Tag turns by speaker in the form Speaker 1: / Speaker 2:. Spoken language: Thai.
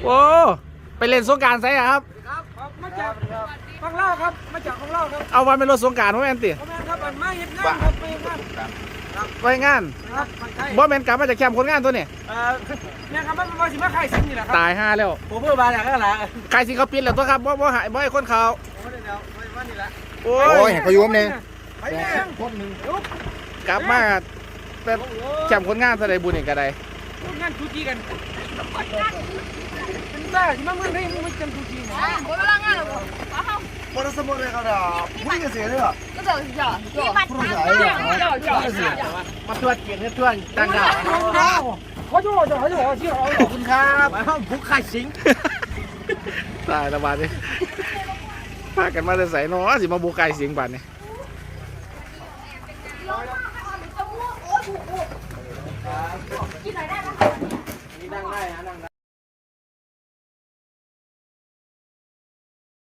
Speaker 1: โอ้ไปเล่นสงกรานต์ไซอะครับ
Speaker 2: มาจากของเล่าครับมาจากของเล่าครับ
Speaker 1: เอาวันเป็นรถสงกรานต์ว่าแม่นติ
Speaker 2: พ่อแม่ครับมาเห็นงานครับไปงาน
Speaker 1: ไปงาน
Speaker 2: ครับใช่
Speaker 1: บ่แม่นกลับมาจากแคมป์คนงานตัวนี่
Speaker 2: เนี่ยครับมันสิมาขายสิ่งนี่แหละครับ
Speaker 1: ตายห่าแล้ว
Speaker 2: ผมเพิ่งมาจากนั่นแหละ
Speaker 1: ใครสิเขาปิดแล้วตัวครับบ่หายบ่ให้คนเขา
Speaker 2: ผมเดี๋ยววันนี้ละ
Speaker 1: โอ้
Speaker 3: โอ้ย
Speaker 1: ย
Speaker 3: เห็นเขายุ่มเนี่ย
Speaker 2: ไปแม่คนหนึ่งลุก
Speaker 1: กลับมาแต่แคมป์คนงานซะได้บุญอีกก็ได้
Speaker 2: งานชูจีกันเป็นบ้าที่มาเมืองไทยมึงไม่จำชูจีนะ
Speaker 4: 我们那俺了不？然后
Speaker 3: พอสมมติเลยครับเดี๋ยวพุ่งจะเสียเลยเหรอ
Speaker 4: 那叫叫你把叫。
Speaker 1: มาตรวจเกียรติเพื่อนต่างดาว
Speaker 2: เขาจะบอกเขาจะบอกที่เขา
Speaker 1: ขอบคุณครับ
Speaker 2: ผู้ขายสิง
Speaker 1: ตายละบาดนี้พากันมาแต่ใส่เนาะสิมาบุกไก่เสียงบาดนี้
Speaker 4: กินหน่อยได้ไหม
Speaker 1: นั่งได้ฮะนั่งได้